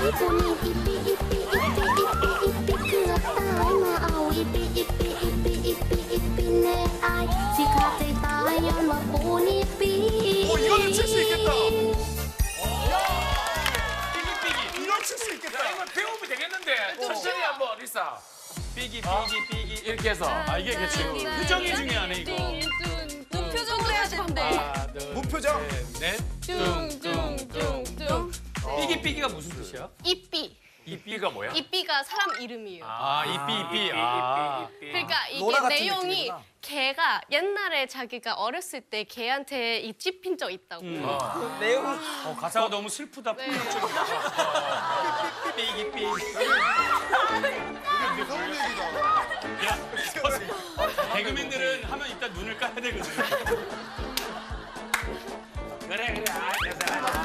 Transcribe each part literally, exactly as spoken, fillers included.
ผู้นี้อีปีอีปีอีปีอีปีอีปีเกือบตายมาเอาอีปีอีปีอีปีอีปีอีปีแน่อายสิขาดใจตายย้อนว่าผู้นี้ปี 오 이거는 칠 수 있겠다. 삐기삐기. 이건 칠 수 있겠다. 야, 이거 배우면 되겠는데. 천천히 한번 리사. 삐기 삐기 삐기 이렇게 해서. 아 이게 그치 표정이 중요하네 이거 무표정으로 해야 된대. 하나 무표정. 뚱뚱뚱뚱. 삐기 삐기가 무슨 뜻이야? 이삐. 이 B가 뭐야? 이삐가 사람 이름이에요. 아 이삐 이삐 아 그러니까 이게 로라 같은 내용이 느낌이구나. 걔가 옛날에 자기가 어렸을 때 걔한테 이 찝힌 적 있다고. 어, 가사가 너무 슬프다 네. 삐기 삐기 무서운 얘기다. 야 개그맨들은 하면 일단 눈을 까야 되거든 그래 그래. 아, 됐어.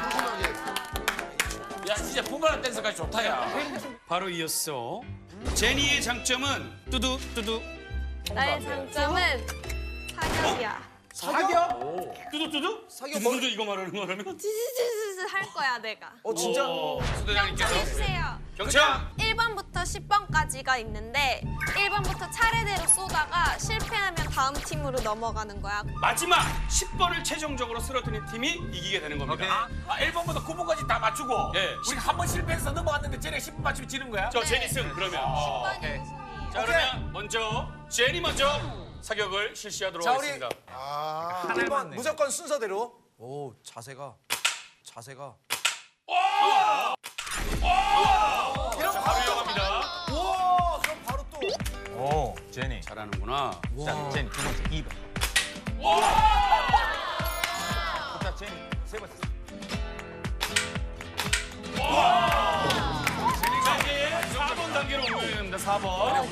야 진짜 분발한 댄스까지 좋다 야. 바로 이었어 제니의 장점은 뚜두 뚜두 나의 장점은 사격이야. 사격? 뚜두 뚜두? 사격 뚜두 뚜두 이거 말하는 거라면? 찌찌찌찌 할 거야 내가. 어 진짜? 오, 경찰 수대장님께서 해주세요. 경찰! 일 번부터 십 번까지가 있는데 일 번부터 차례대로 쏘다가 실패하면 다음 팀으로 넘어가는 거야. 마지막 십 번을 최종적으로 쓰러뜨린 팀이 이기게 되는 겁니다 아 일 번부터 구 번까지 다 맞추고. 예. 우리 한 번 실패해서 넘어갔는데 쟤네 십 번 맞추면 지는 거야? 저 제니 승 그러면 어, 번이 오케이. 우승이에요. 자 그러면 먼저 제니 먼저 사격을 실시하도록 자 우리 하겠습니다. 아 일 번 무조건 순서대로. 오 자세가 자세가. 자 바로 이어갑니다. 우와 그럼 바로 또. 오, 제니. 잘하는구나. 자, 제니 두 번째 이 번. 자, 제니 세 번째. 자 이제 사 번 단계로 옮겨야 됩니다. 사 번.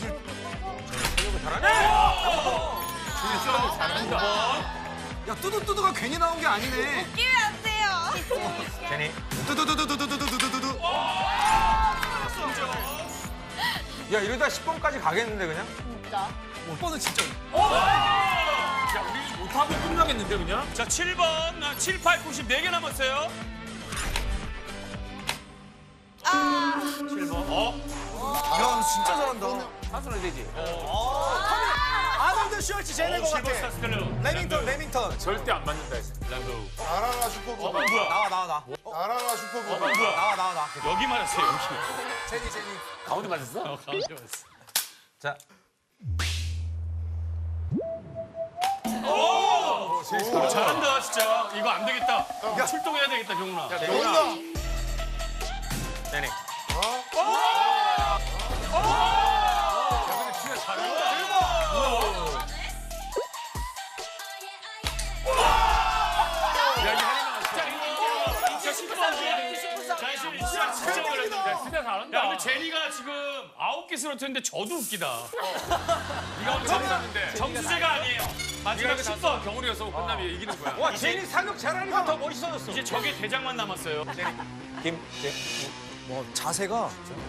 야 뚜두뚜두가 괜히 나온 게 아니네. 끼면 안 돼요. 제니. 뚜두두두두두두두두두. 야, 이러다 십 번까지 가겠는데 그냥? 오 번은 진짜. 야 우리 못하고 끝나겠는데 그냥? 자 칠 번, 아, 칠, 팔, 구, 십 네 개 남았어요. 칠 번. 어? 야 진짜 잘한다. 한손에 되지. 아놀드 슈왈츠 제네 거 같아. 실버스타 스텔로. 레밍턴 레밍턴. 절대 안 맞는다 했어. 람보. 나라라 어, 슈퍼보다. 뭐야? 나와 나와 나. 나라라 슈퍼보다. 뭐야? 나와 나와 나. 여기 말았어요, 여기. 제니 제니. 가운데 맞았어? 어, 가운데 맞았어. 자, 어, 잘한다, 진짜. 이거 안 되겠다. 출동해야 되겠다, 경훈아. 여기다. 제니. 진짜 잘했는데. 진짜 잘한다. 야, 근데 제니가 지금 아홉 개 쓰러뜨렸는데 저도 웃기다. 네가 오늘 잘했는데. 점수제가 아니에요. 마지막 십 번. 경훈이어서 끝나면 이기는 거야. 와, 제니 사격 잘하니까 더 멋있어졌어. 이제 적의 대장만 남았어요. 김, 제, 뭐 자세가.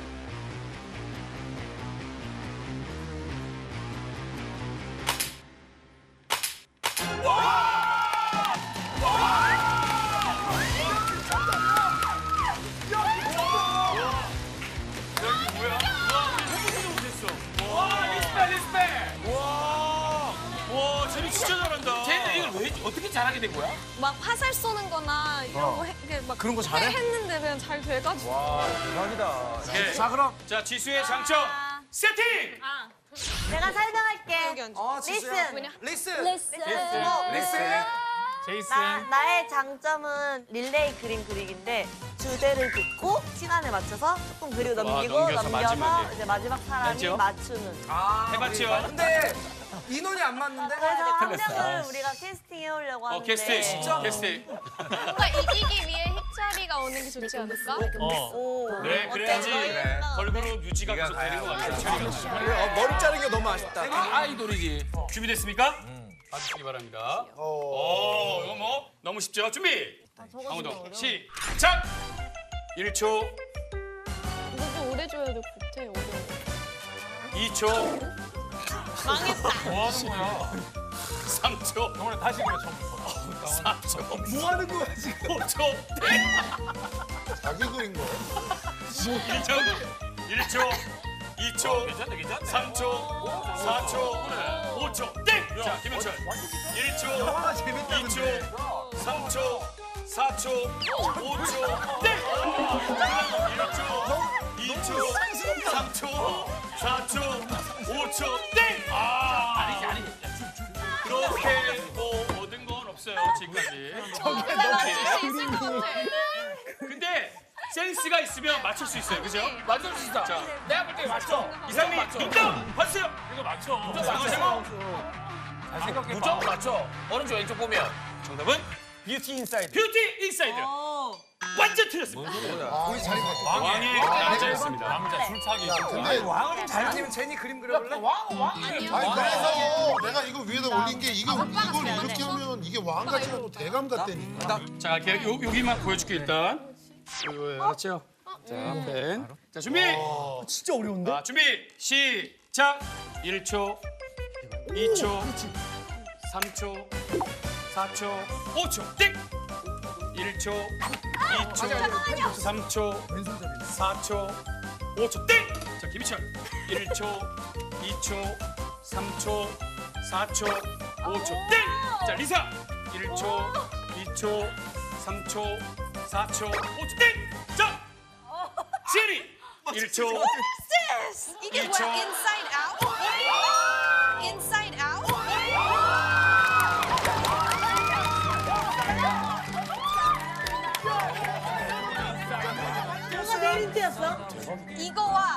와, 리스펙, 리스펙. 와, 와, 제니 진짜 잘한다. 쟤는 이걸 왜 어떻게 잘하게 된 거야? 막 화살 쏘는 거나 이런 거 해, 그게 막 그런 거 잘해? 했는데 그냥 잘 돼가지고. 와, 대박이다. 예. 자 그럼. 자, 지수의 장점 세팅. 내가 설명할게. 여기 앉아. 어 지수야. 뭐냐? 리슨. 리슨. 리슨. 제이슨. 나, 나의 장점은 릴레이 그림 그리기인데 주제를 듣고 시간에 맞춰서 조금 그리고 넘기고 넘겨서 넘겨서 마지막에. 이제 마지막 사람이 맞죠? 맞추는. 아, 해봤죠? 우리- 근데 인원이 안 맞는데. 그래서 한 명을 우리가 캐스팅 해오려고 어, 하는데. 캐스팅. 진짜? 캐스팅. 뭔가 이기기 위해 힙자리가 오는 게 좋지 않을까? 어. 오. 그래, 그래야지 그래. 걸그룹 유지가 계속 되는 것 같아요. 그래, 어, 머리 자르는 게 너무 아쉽다. 아이돌이지. 준비됐습니까? 봐주시기 바랍니다. 오, 이거 뭐 너무 쉽죠? 준비. 강호동 시작. 일 초, 이거 좀 오래 줘야 돼, 못해, 어려워. 이 초, 망했다. 뭐 하는 거야? 삼 초, 오늘 다시 그래, 처음부터. 사 초, 뭐 하는 거야 지금? 오 초. 자기 그린 거야. 일 초, 일 초, 이 초, 괜찮네, 괜찮네. 삼 초, 사 초, 오 초. 땡! 자, 김현철. 일 초, 이 초, 삼 초, 사 초, 오 초. 땡! 일 초, 이 초, 삼 초, 사 초, 오 초. 땡! 아, 아니지, 아니지. 그렇게 뭐 얻은 건 없어요, 지금까지. 할수 있을 것 같아. 근데 센스가 있으면 맞출 수 있어요, 그죠? 맞출 수 있어. 자, 내가 볼 때 맞춰. 이상민, 맞춰. 딩동! 봤어요? 이거 맞춰. 이거 제목? 잘 생각해. 무조건 맞춰. 오른쪽 왼쪽 보면. 정답은 뷰티 인사이드. 뷰티 인사이드. 완전 틀렸습니다. 우리 자리 바꿔. 왕의 남자였습니다. 남자 줄타기. 근데 왕을 좀 잘 아니면 제니 그림 그려볼래? 왕, 왕. 아니 그래서 내가 이거 위에다 올린 게 이거 이걸 이렇게 하면 이게 왕 같지 않고 대감 같다니까. 자, 갈게요. 요, 여기만 보여줄게, 일단. 이거 알았죠? 자, 펜. 자, 준비! 진짜 어려운데? 자, 준비! 시작! 일 초, 이 초, 삼 초, 사 초, 오 초, 땡! 일 초, 이 초, 삼 초, 사 초, 오 초, 땡! 자, 김희철. 일 초, 이 초, 삼 초, 사 초, 오 초, 땡! 자, 리사. 일 초, 이 초, 삼 초, 사 초, 오 초, 땡! 자, 시리. 일 초, 이게 이 뭐야? 초. Inside out? Inside out? 뭐가 제일 힌트였어? 이거와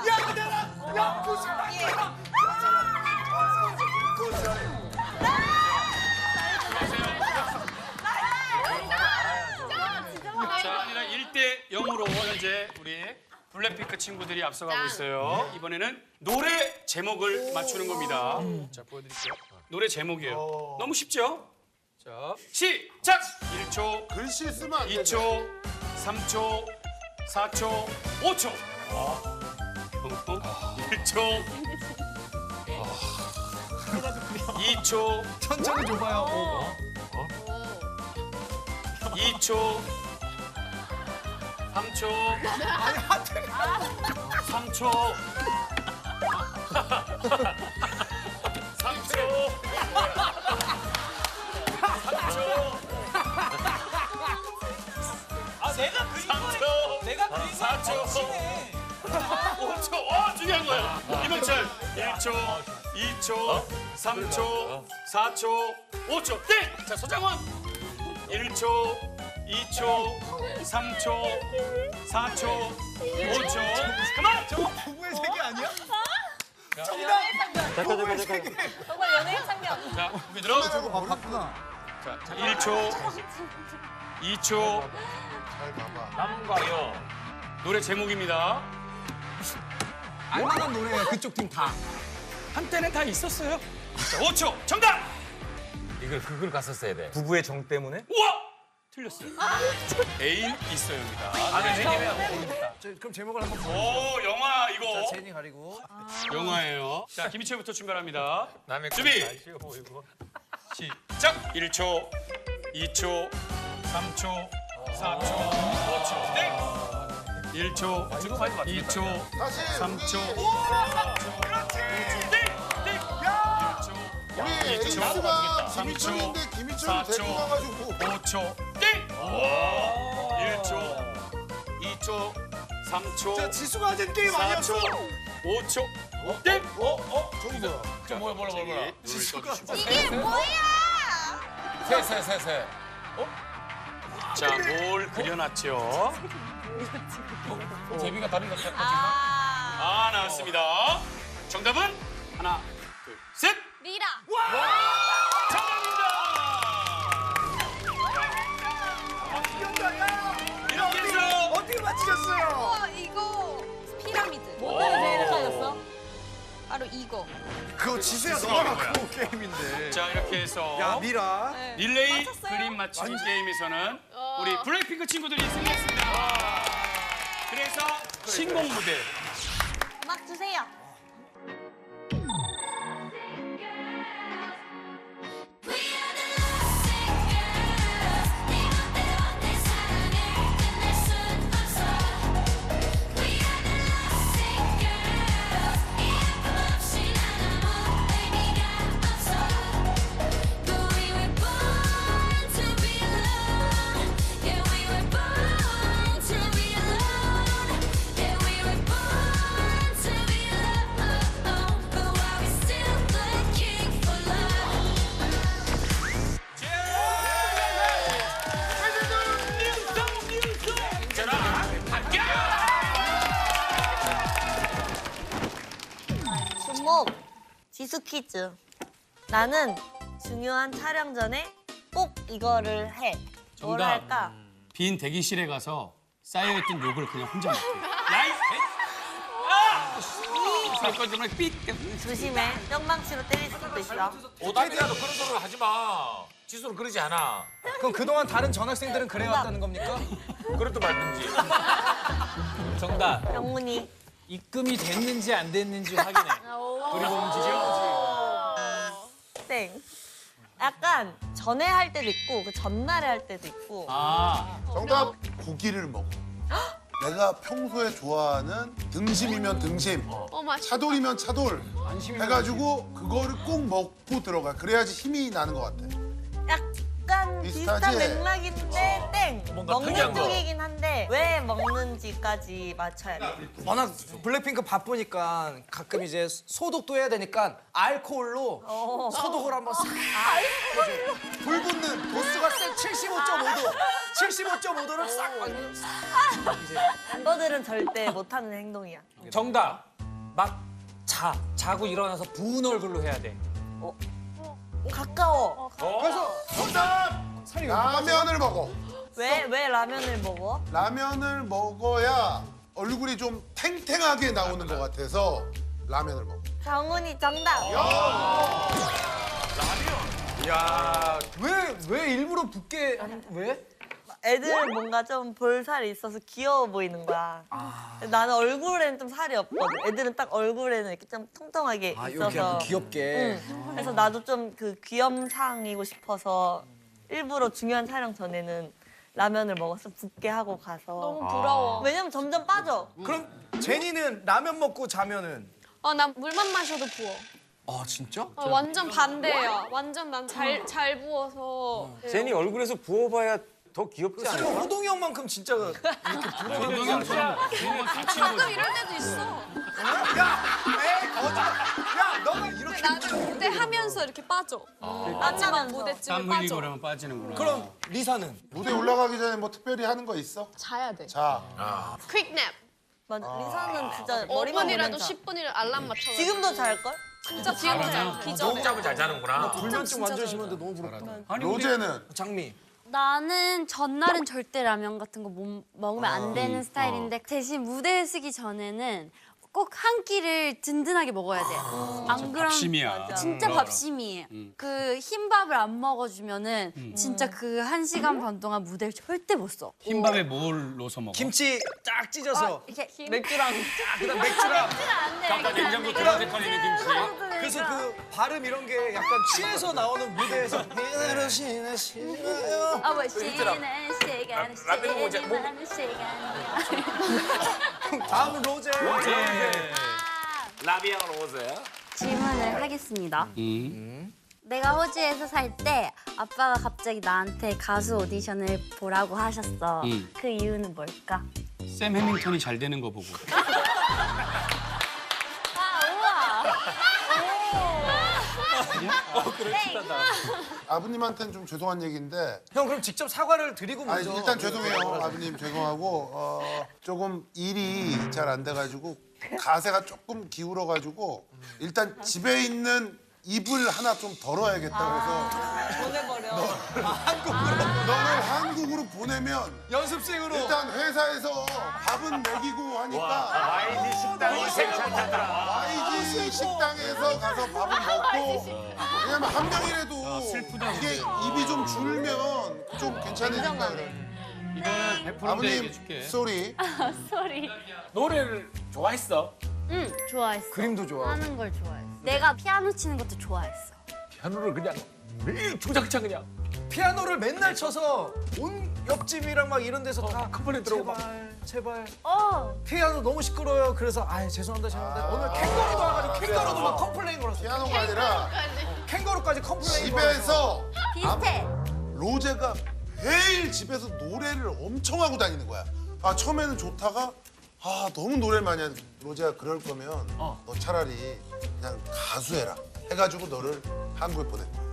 자, 아니라 일 대 영으로 현재 우리 블랙핑크 친구들이 앞서가고 있어요. 이번에는 노래 제목을 맞추는 겁니다. 자, 보여드릴게요. 노래 제목이에요. 너무 쉽죠? 자, 시작! 일 초, 글씨 쓰면 안 돼. 이 초, 삼 초, 사 초, 오 초. 어? 일 초, 이 초, 천천히 줘봐요. 이 초, 삼 초, 아니 하트. 삼 초, 삼 초, 삼 초, 아, 내가 그린 삼 거야. 초, 내가 그린 사 초, 오 초. 와, 중요한 거야. 이명철. 일 초, 이 초, 삼 초, 사 초, 오 초. 땡! 자, 서장훈. 일 초, 이 초, 삼 초, 사 초, 오 초. 그만! 저거 부부의 세계 아니야? 정말 연예인 참견. 자, 여기 들어. 아 봤구나. 자, 자, 일 초, 이 초. 잘 봐봐. 남과요. 노래 제목입니다. 알만한 노래 그쪽 팀 다. 한때는 다 있었어요. 자, 오 초. 정답! 이걸 그걸 갔었어야 돼. 부부의 정 때문에? 우와! 틀렸어요. 애인 있어요입니다. 아, 네, 네. 저, 그럼 제목을 한번 보. 오, 영화 자 이거. 제니 가리고. 영화예요. 자, 김희철부터 출발합니다. 남의 준비! 잘 쉬워 보이고. 시작! 일 초, 이 초, 삼 초, 사 초, 오 초. 땡! 일 초, 이 초, 다시 삼 초, 우리 땡! 땡! 일 초, 우리 이 초, 에이스가 삼 초, 김희철인데 사 김희철을 초, 데리고 가가지고 오 초. 땡! 일 초, 이 초, 삼 초, 자 지수가 하는 게임 사 아니었어? 초, 오 초. 땡! 어? 어? 저기 뭐야? 저 뭐야, 뭐야, 뭐야, 뭐야. 지수가 이게 뭐야? 세, 세, 세, 세. 자, 뭘 그려놨죠? 제비가 다른 것 같아. 아 아, 나왔습니다. 정답은 하나, 둘, 셋! 리라. 정답입니다! 이렇게 해서 어떻게 맞히셨어요? 우와 이거 피라미드. 뭐 때문에 제일 헷갈렸어? 바로 이거. 그거 지수야 너가 갖고 게임인데. 자, 이렇게 해서 야 미라. 릴레이 맞췄어요? 그림 맞추기 게임에서는 우리 블랙핑크 친구들이 승리했습니다. 그래서 신곡 무대 음악 주세요. We are the 제목 지수 퀴즈. 나는 중요한 촬영 전에 꼭 이거를 해. 뭘 정답. 할까? 빈 대기실에 가서 쌓여있던 욕을 그냥 혼자 먹기. 야이 개! 아! 사건 정말 삑! 조심해. 뿅망치로 때릴 수도 있어. 오다미야 너 그런 소리 하지 마. 지수는 그러지 않아. 그럼 그동안 다른 전학생들은 그래왔다는 겁니까? 그래도 말든지. 정답. 병문이. 입금이 됐는지 안 됐는지 확인해. 그리고 움직여. 땡. 약간 전에 할 때도 있고 그 전날에 할 때도 있고. 아, 정답 고기를 먹어. 내가 평소에 좋아하는 등심이면 등심, 어 맞아. 차돌이면 차돌 해가지고 그거를 꼭 먹고 들어가. 그래야지 힘이 나는 것 같아. 약간 비슷한 비슷하지? 맥락인데 땡. 뭔가 특이한 먹는 거. 쪽이긴 한데 왜 먹는지까지 맞춰야 돼. 워낙 블랙핑크 바쁘니까 가끔 이제 소독도 해야 되니까 알코올로 어. 소독을 한번 싹. 불 붙는 도수가 센 칠십오 점 오 도. 칠십오 점 오 도를 싹. 멤버들은 절대 못하는 행동이야. 정답. 막 자. 자고 일어나서 부은 얼굴로 해야 돼. 가까워. 그래서 정답! 라면을 먹어. 왜, 왜 라면을 먹어? 라면을 먹어야 얼굴이 좀 탱탱하게 나오는 것 같아서 라면을 먹어. 정훈이 정답. 야, 왜, 왜 일부러 붓게 왜? 애들은 뭔가 좀 볼살이 있어서 귀여워 보이는 거야. 나는 얼굴에는 좀 살이 없거든. 애들은 딱 얼굴에는 이렇게 좀 통통하게 아, 이렇게 있어서. 약간 귀엽게. 응. 그래서 나도 좀 그 귀염상이고 싶어서 일부러 중요한 촬영 전에는 라면을 먹어서 붓게 하고 가서. 너무 부러워. 왜냐면 점점 빠져. 그럼 제니는 라면 먹고 자면은 어, 난 물만 마셔도 부어. 아 진짜? 어, 완전 반대야. 완전 난 잘 잘 부어서. 제니 얼굴에서 부어봐야 더 귀엽지 설마 않을까? 호동이 형만큼 진짜 이렇게 부러워. 가끔 이럴 때도 있어. 야, 에이 거짓말. 야, 너는 이렇게. 나는 무대 하면서 이렇게 빠져. 마지막 무대쯤에 땀 빠져. 흘리고 그러면 빠지는구나. 그럼 리사는? 무대 올라가기 전에 뭐 특별히 하는 거 있어? 자야 돼. 자, 퀵냅. 맞아. 리사는 진짜 오 머리만 분이라도 보면 자. 십 분이라도 알람 맞춰. 지금도 잘걸? 진짜 지금 자. 기절해. 잠을 잘 자는구나. 불면증 완전 심한데 너무 부럽다. 아니, 근데 로제는 장미. 나는 전날은 절대 라면 같은 거 못 먹으면 안 되는 스타일인데 대신 무대에 서기 전에는 꼭 한 끼를 든든하게 먹어야 돼. 안 그러면 밥심이야. 진짜 밥심이에요. 그 흰밥을 안 먹어주면은 진짜 그 한 시간 반 동안 무대를 절대 못 써. 흰밥에 뭘 넣어서 먹어? 김치 딱 찢어서. 이렇게 맥주랑 그다음 맥주랑. 아까 냉장고 들어가서 걸리는 김치. 그래서 그 발음 이런 게 약간 취해서 나오는 무대에서 이대로 지나시나요? 아, 뭐 쉬는 시간, 라면 모자, 뭐- 쉬는 시간이야. 다음은 로제. 라비앙 로제. 질문을 하겠습니다. 음. 내가 호주에서 살 때 아빠가 갑자기 나한테 가수 오디션을 보라고 하셨어. 음. 그 이유는 뭘까? 샘 해밍턴이 잘 되는 거 보고. 아버님한테는 좀 죄송한 얘기인데 형 그럼 직접 사과를 드리고 아니, 먼저. 일단 죄송해요. 아버님 죄송하고 어, 조금 일이 잘 안 돼가지고 가세가 조금 기울어가지고 일단 집에 있는 이불 하나 좀 덜어야겠다고 해서 보내버려. 너를 한국으로 보내면 연습생으로. 일단 회사에서 밥은 먹이고 하니까 와이디 식당이 괜찮다더라. 와이지 식당에서 가서 밥을 먹고 왜냐면 한 명이라도 슬프다, 이게 근데. 입이 좀 줄면 좀 괜찮으니까 이거는 백 퍼센트 아버님 얘기해줄게. 쏘리 소리. 노래를 좋아했어? 응, 좋아했어. 그림도 좋아. 하는 걸 좋아했어. 내가 피아노 치는 것도 좋아했어. 피아노를 그냥 매일 주작창 그냥. 피아노를 맨날 쳐서 온 옆집이랑 막 이런 데서 다 컴플레인 들어오고 막. 제발 제발 어. 피아노 너무 시끄러워요. 그래서 아 죄송합니다 죄송합니다. 오늘 캥거루도 와가지고 캥거루도 막 컴플레인 걸었어. 피아노가 아니라 캥거루까지 컴플레인 집에서 비슷해. 로제가 매일 집에서 노래를 엄청 하고 다니는 거야. 아 처음에는 좋다가 아 너무 노래를 많이 하는 로제가 그럴 거면 너 차라리 그냥 가수 해라 해가지고 너를 한국에 보낸 거야.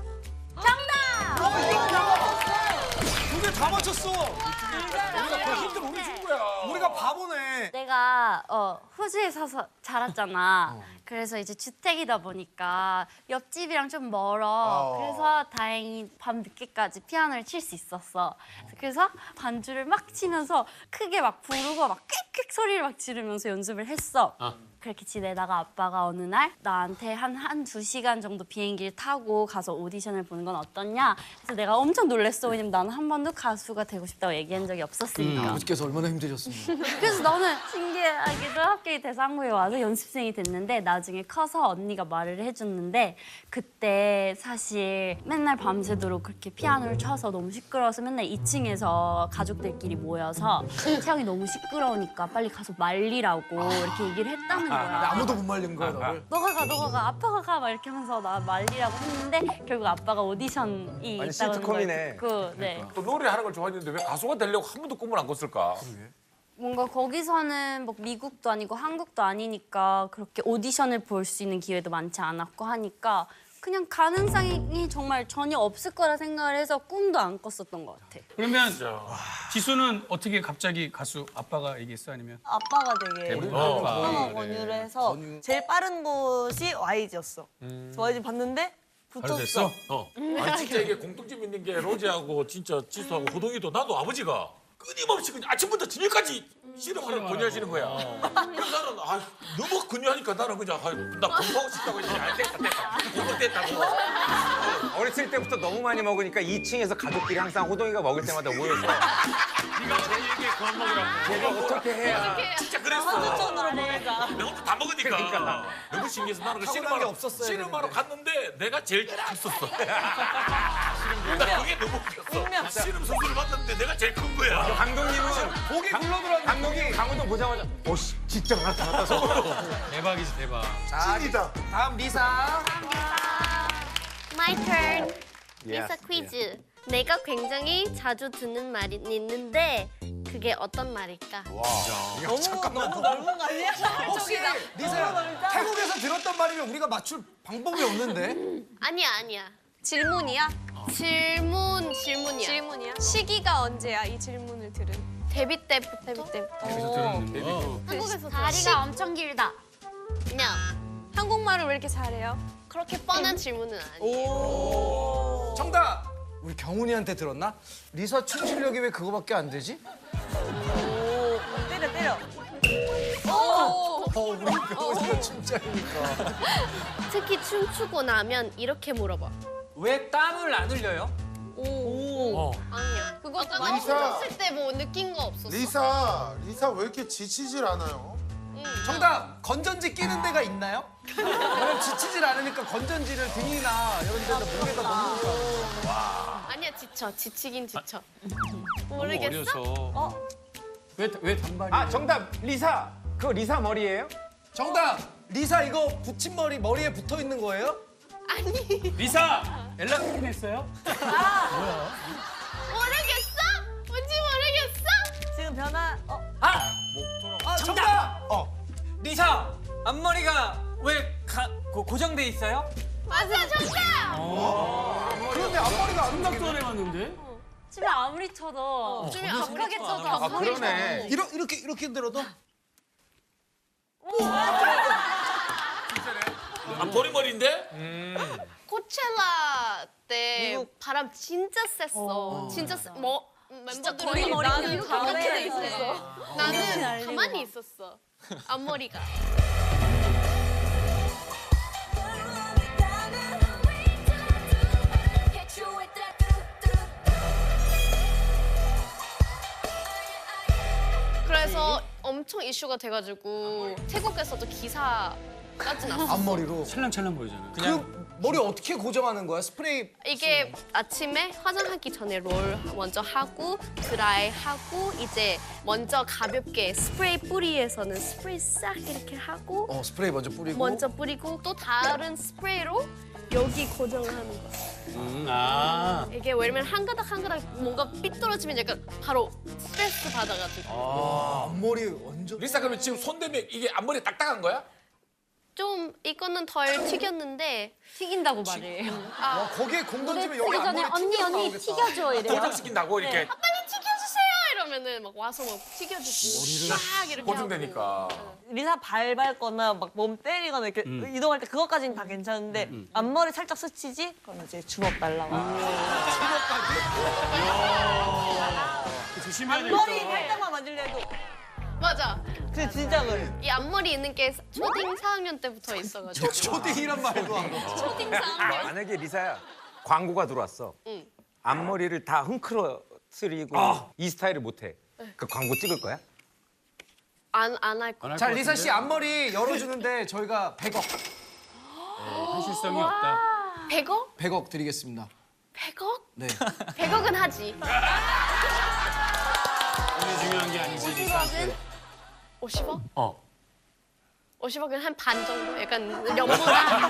두개 다 맞췄어. 우리가 그 힌트를 우리 준 거야. 우리가 언니가 바보네. 내가 어, 호주에 사서 자랐잖아. 그래서 이제 주택이다 보니까 옆집이랑 좀 멀어. 어. 그래서 다행히 밤 늦게까지 피아노를 칠 수 있었어. 그래서 반주를 막 치면서 크게 막 부르고 막 꽥꽥 소리를 막 지르면서 연습을 했어. 그렇게 지내다가 아빠가 어느 날 나한테 한 한 두 시간 정도 비행기를 타고 가서 오디션을 보는 건 어떠냐. 그래서 내가 엄청 놀랬어. 왜냐면 나는 한 번도 가수가 되고 싶다고 얘기한 적이 없었으니까. 아버지께서 얼마나 힘드셨습니까? 그래서 너는 신기하게도 합격이 돼서 한국에 와서 연습생이 됐는데 나중에 커서 언니가 말을 해줬는데 그때 사실 맨날 밤새도록 그렇게 피아노를 쳐서 너무 시끄러워서 맨날 이 층에서 가족들끼리 모여서 태영이 너무 시끄러우니까 빨리 가서 말리라고 이렇게 얘기를 했다는 거야. 아무도 못 말린 거야 너를. 너가 가, 너가 가, 아빠가 가 막 이렇게 하면서 나 말리라고 했는데 결국 아빠가 오디션이 아니, 있다는 시트콤이네. 걸 듣고 네. 또 노래하는 걸 좋아했는데 왜 가수가 되려고 한 번도 꿈을 안 꿨을까? 뭔가 거기서는 뭐 미국도 아니고 한국도 아니니까 그렇게 오디션을 볼 수 있는 기회도 많지 않았고 하니까 그냥 가능성이 정말 전혀 없을 거라 생각을 해서 꿈도 안 꿨었던 것 같아. 그러면 지수는 어떻게 갑자기 가수 아빠가 얘기했어 아니면? 아빠가 되게 어. 어, 권유를 해서 제일 빠른 곳이 와이지였어. 와이지 봤는데 바로 붙었어. 됐어? 어. 아니 진짜 이게 공통점 있는 게 로제하고 진짜 지수하고 호동이도 나도 아버지가 끊임없이 그냥 아침부터 저녁까지 씨름하는 권유하시는 거야. 그래서 나는 아, 너무 권유하니까 나는 그냥 아, 나 공부하고 싶다고 했지. 아, 됐다 됐다. 공부 됐다고. 어렸을 때부터 너무 많이 먹으니까 이 층에서 가족끼리 항상 호동이가 먹을 때마다 모여서 네가 어떻게 얘기해 그만 먹으라고. 제가 어떻게 해야 진짜 그랬어. 한두천으로 보내자. 내가 혼자 다 먹으니까. 너무 신기해서 나는 그 타고난 씨름하러 게 없었어야 씨름하러 되는데. 갔는데 내가 제일 컸었어. 나 그게 너무 웃겼어. 씨름 선수를 봤는데 내가 제일 큰 거야. 감독님은 목이 굴러들었는데. 감독이 강호동 보자마자 오씨 진짜 나타났다 서로. 대박이지 대박. 찐이다. 다음 리사. My turn. Yes, 리사 퀴즈. 내가 굉장히 자주 듣는 말이 있는데 그게 어떤 말일까? 너무 너무 넓은 거 아니야? 혹시 리사야 태국에서 들었던 말이면 우리가 맞출 방법이 없는데? 아니야 아니야. 질문이야? 질문 질문이야. 질문이야? 시기가 언제야? 이 질문을 들은. 데뷔 때부터. 데뷔 때부터. 그래서 들었는데. 한국에서 다리가 엄청 길다. 그냥 한국말을 왜 이렇게 잘해요? 그렇게 뻔한 질문은 아니에요. 정답. 우리 경훈이한테 들었나? 리사 춤 실력이 왜 그거밖에 안 되지? 때려 때려. 어, 우리 경훈이가 춤장이니까. 특히 춤추고 나면 이렇게 물어봐. 왜 땀을 안 흘려요? 오. 어. 아니야. 그거 아까 리사. 너 춤췄을 때 뭐 느낀 거 없었어? 리사, 리사 왜 이렇게 지치질 않아요? 정답. 건전지 끼는 데가 있나요? 왜냐면 지치질 않으니까 건전지를 등이나 이런 데다 목에다 넣으니까. 아니야 지쳐. 지치긴 지쳐. 너무 모르겠어? 어려서. 왜 왜 단발이? 아 정답 리사. 그거 리사 머리예요? 정답. 리사 이거 붙임머리 머리에 붙어 있는 거예요? 아니 리사 연락 끊긴 했어요? 모르겠어? 뭔지 모르겠어? 지금 변화. 어. 아! 아 정답. 어. 리사! 앞머리가 왜 가, 고, 고정돼 있어요? 맞아 정답! 그런데 앞머리가 안 생각도 안 해봤는데. 춤을 아무리 춰도 춤이 격하게 아무리 춰도 아 아무리 그러네. 이렇게 이렇게 이렇게 들어도 아, 보리머리인데? 코첼라 때 미국. 바람 진짜 셌어. 진짜 세, 뭐 멤버들이 거의 머리 나는 이렇게 가만히 이렇게 돼 있어. 있었어. 나는 가만히 있었어. 앞머리가. 그래서 엄청 이슈가 돼가지고 태국에서도 기사까지 났어. 앞머리로. 찰랑찰랑 보이잖아. 그 머리 어떻게 고정하는 거야? 스프레이. 이게 아침에 화장하기 전에 롤 먼저 하고 드라이 하고 이제 먼저 가볍게 스프레이 뿌리에서는 스프레이 싹 이렇게 하고 어 스프레이 먼저 뿌리고. 먼저 뿌리고 또 다른 스프레이로 여기 고정하는 거. 음, 아. 이게 왜냐면 한 가닥 한 가닥 뭔가 삐뚤어지면 약간 바로 스트레스 받아가지고 아 앞머리 완전. 리사 그러면 지금 손 대면 이게 앞머리 딱딱한 거야? 좀 이거는 덜 튀겼는데 튀긴다고 말해. 아 와 거기에 공 던지면 무대 여기 쓰기 전에 앞머리 언니 튀겨서 언니 나오겠다. 튀겨줘 이래요. 고정시킨다고 이렇게. 빨리 튀겨주세요 이러면은 막 와서 막 튀겨주고 막 이렇게 고정되니까. 리사 발 밟거나 막 몸 때리거나 이렇게 이동할 때 그것까지는 다 괜찮은데 앞머리 살짝 스치지? 그러면 이제 주먹 날라와. 조심해야 앞머리 되겠다. 살짝만 만질려 해도 맞아. 그 진짜 그래. 이 앞머리 있는 게 초딩 사 학년 때부터 있어가지고. 초딩이란 말도 안 돼. 초딩 사 학년. 만약에 리사야 광고가 들어왔어. 응. 앞머리를 다 흥크러뜨리고 이 스타일을 못해. 그 광고 찍을 거야? 안 안 할 거. 자, 리사 씨 앞머리 열어주는데 저희가 백억, 현실성이 없다. 백억? 백억 드리겠습니다. 백억? 네. 백억은 하지. 오늘 중요한 게 아니지 리사한테. 오십억? 어. 오십억은 한 반 정도? 약간 연보다.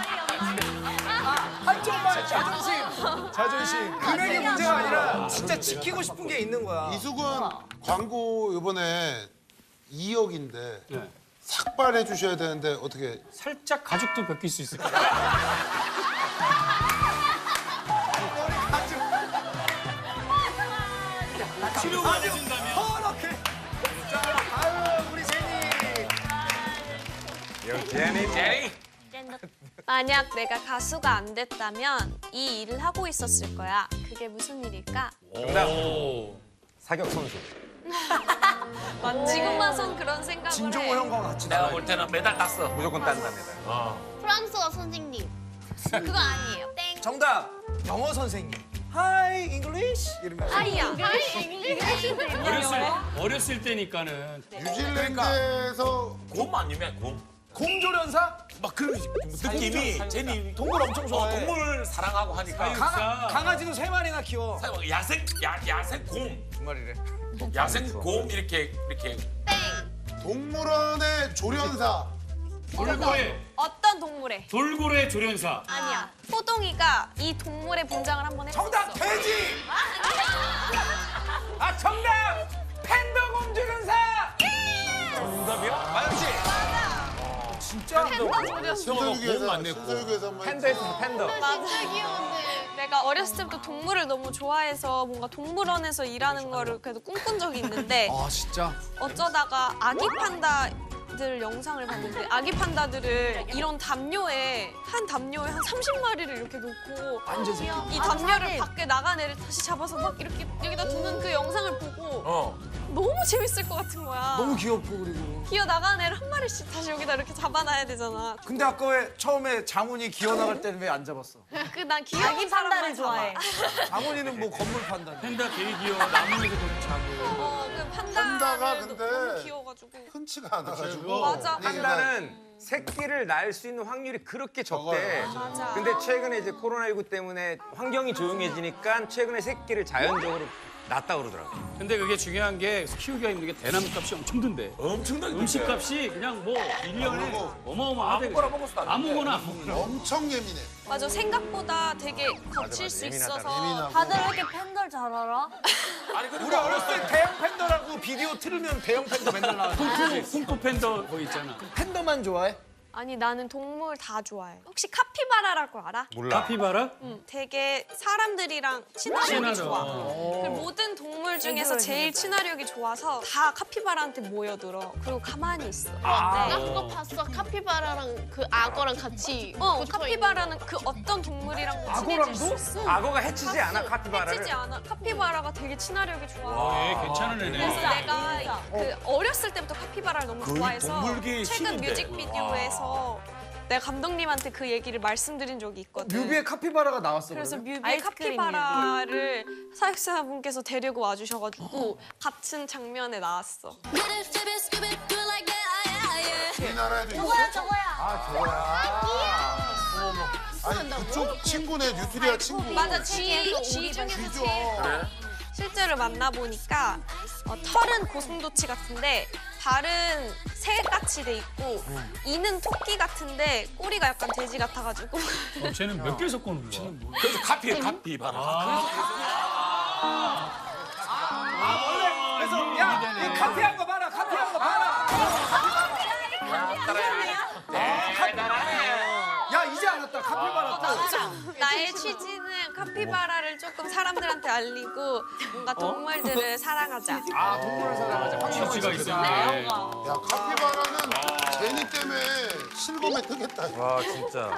한쪽만 자존심, 자존심. 금액이 문제가 아니라 진짜 지키고 싶은 게 있는 거야. 이수근 광고 이번에 이억인데 네. 삭발해 주셔야 되는데 어떻게 살짝 가죽도 벗길 수 있을 거야. 치료가 되신다면. 허렇게. 자, 아유 우리 제니. 제니 제니. 만약 내가 가수가 안 됐다면 이 일을 하고 있었을 거야. 그게 무슨 일일까? 정답. 사격 선수. 지금 봐선 그런 생각을 진종호 해. 형과 같이 내가 나와요. 볼 때는 메달 땄어. 무조건 딴다 메달. 프랑스어 선생님. 그거 아니에요. 땡. 정답. 영어 선생님. Hi English 이러면. 아이야. 어렸을 어렸을 때니까는 뉴질랜드에서 곰 아니면 곰. 곰조련사? 막 그런 느낌이 제니 동물 엄청 좋아해. 어, 동물 사랑하고 하니까 강아, 강아지도 세 마리나 키워. 야생 야 야생 곰 두 마리래. 야생 곰 이렇게 이렇게 동물원의 조련사. 돌고래 어떤 동물에? 돌고래 조련사. 아니야. 호동이가 이 동물의 분장을 한번 했었어. 정답 돼지. 아 정답. 팬더 곰조련사. 정답이야? 마영 씨. 진짜? 신서유기에서 맞네, 곰. 신서유기에서 한번 팬더 했어 팬더. 진짜 귀여운데. 내가 어렸을 때부터 동물을 너무 좋아해서 뭔가 동물원에서 일하는 거를 그래도 꿈꾼 적이 있는데 아 진짜. 어쩌다가 아기 판다들 영상을 봤는데 아기 판다들을 이런 담요에 한 담요에 한 삼십 마리를 이렇게 놓고 완전 새끼. 이 담요를 밖에 나간 애를 다시 잡아서 막 이렇게 여기다 두는 그 영상을 보고 어. 너무 재밌을 것 같은 거야. 너무 귀엽고 그리고. 기어 나간 애를 한 마리씩 다시 여기다 이렇게 잡아놔야 되잖아. 근데 아까 왜 처음에 장훈이 기어 나갈 때는 왜 안 잡았어? 그 난 귀여운 아기 사람만 판다를 좋아해. 장훈이는 뭐 건물 판다. 팬다 되게 귀여워. 나무에서도 자고. 어, 그 판다가 판다가 근데 너무 귀여워가지고. 흔치가 않아가지고. 맞아. 판다는 새끼를 낳을 수 있는 확률이 그렇게 적대. 맞아. 근데 최근에 이제 코로나십구 때문에 환경이 조용해지니까 최근에 새끼를 자연적으로 낳았다 그러더라고. 근데 그게 중요한 게 키우기가 힘든 게 대나무 값이 엄청 든대. 엄청나게 음식 값이 그냥 뭐 일 년에 어마어마하대. 아무거나 먹을 수도 안 돼. 아무거나 아무거나. 엄청 예민해. 맞아. 생각보다 되게 거칠 맞아, 수 예민하다. 있어서. 예민하고. 다들 왜 이렇게 팬들 잘 알아? 아니 그리고 우리 어렸을 때 대형 팬더라고 비디오 틀으면 대형 팬더 맨날 나왔어. 쿵푸 팬더 거 있잖아. 팬더만 좋아해? 아니 나는 동물 다 좋아해. 혹시 카피바라라고 알아? 몰라. 카피바라? 응. 되게 사람들이랑 친화력이 친하죠. 좋아. 그 모든 동물 중에서 제일 친화력이 좋아서 다 카피바라한테 모여들어. 그리고 가만히 있어. 나 네. 그거 봤어. 카피바라랑 그 악어랑 같이. 어, 붙어 카피바라는 그 어떤 동물이랑 친해질 수 있어. 악어가 해치지 않아 카피바라를. 해치지 않아. 카피바라가 되게 친화력이 좋아. 예, 괜찮은 그래서 애네. 내가 그 어렸을 때부터 카피바라를 너무 거의 좋아해서 동물계의 최근 신인데. 뮤직비디오에서 내가 감독님한테 그 얘기를 말씀드린 적이 있거든. 뮤비에 카피바라가 나왔어. 그래서 그러면? 뮤비에 아이스크림 카피바라를 사육사분께서 데리고 와주셔가지고 같은 장면에 나왔어. 우리나라에도 있어? 저거야 저거야. 아 저거야. 아니 그쪽 친구네 뉴트리아 친구. 맞아, 쥐, 쥐 중에서 쥐죠. 제일 실제로 만나보니까 어, 털은 고슴도치 같은데 발은 새같이 돼 있고 이는 토끼 같은데 꼬리가 약간 돼지 같아가지고 어, 쟤는 몇 개 섞어놓은 거야? 그래서 카피 카피 봐라. 아 원래 그래서 야 이 카피한 거 봐라. 카피한 거 봐라. 야 이제 알았다. 맞아 카피바라 또. 나의 취지는 카피바라를 조금 사람들한테 알리고 뭔가 동물들을 사랑하자. 아 동물을 사랑하자. 확실히 취지가 있었네. 야 카피바라는 제니 때문에 실검에 뜨겠다. 와 진짜.